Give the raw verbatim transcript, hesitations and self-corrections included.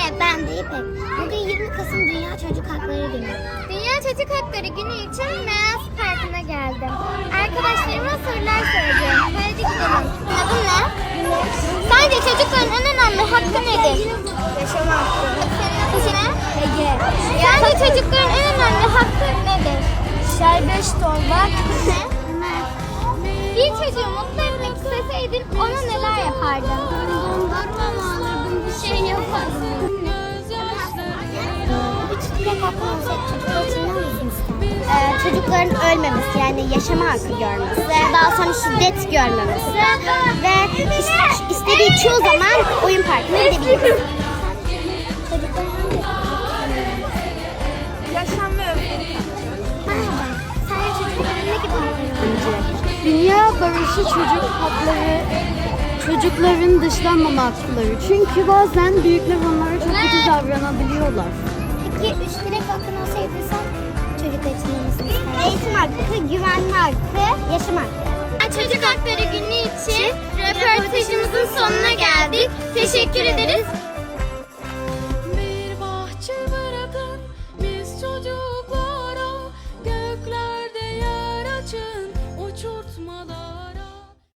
ben de İpek. Bugün yirmi Kasım Dünya Çocuk Hakları Günü. Dünya Çocuk Hakları Günü için Meaz Parkı'na geldim. Arkadaşlarıma sorular soracağım. Hadi gidelim. Adın ne? Sence çocukların en önemli hakkı nedir? Yaşam hakkı. Senin ne? Ege. Sence çocukların en önemli hakkı nedir? Serbest olmak. Bir çocuğu mutlu etmek isteseydin ona neler yapardın? Dondurma mı alırdım, bir şey yapardım. Üç dilek hakkı olsaydı çocuklar için ne olsun isterdin? Ee, çocukların ölmemesi, yani yaşama hakkı görmesi, daha sonra şiddet görmemesi ve is- istediği çoğu zaman oyun parkına gidebiliriz. Çocukların hangi Yaşam ve öfke. Merhaba, sence çocukların ne gibi hakları olacak? Dünya barışı çocuk hakları, çocukların dışlanmama hakları. Çünkü bazen büyükler onlara çok kötü davranabiliyorlar. Peki üç dilek hakkın olsaydı sen çocuklar için ne olsun isterdin? Eğitim hakkı, güvenme hakkı, yaşam hakkı. Çocuk Hakları Günü için röportajımızın sonuna geldik. Teşekkür ederiz.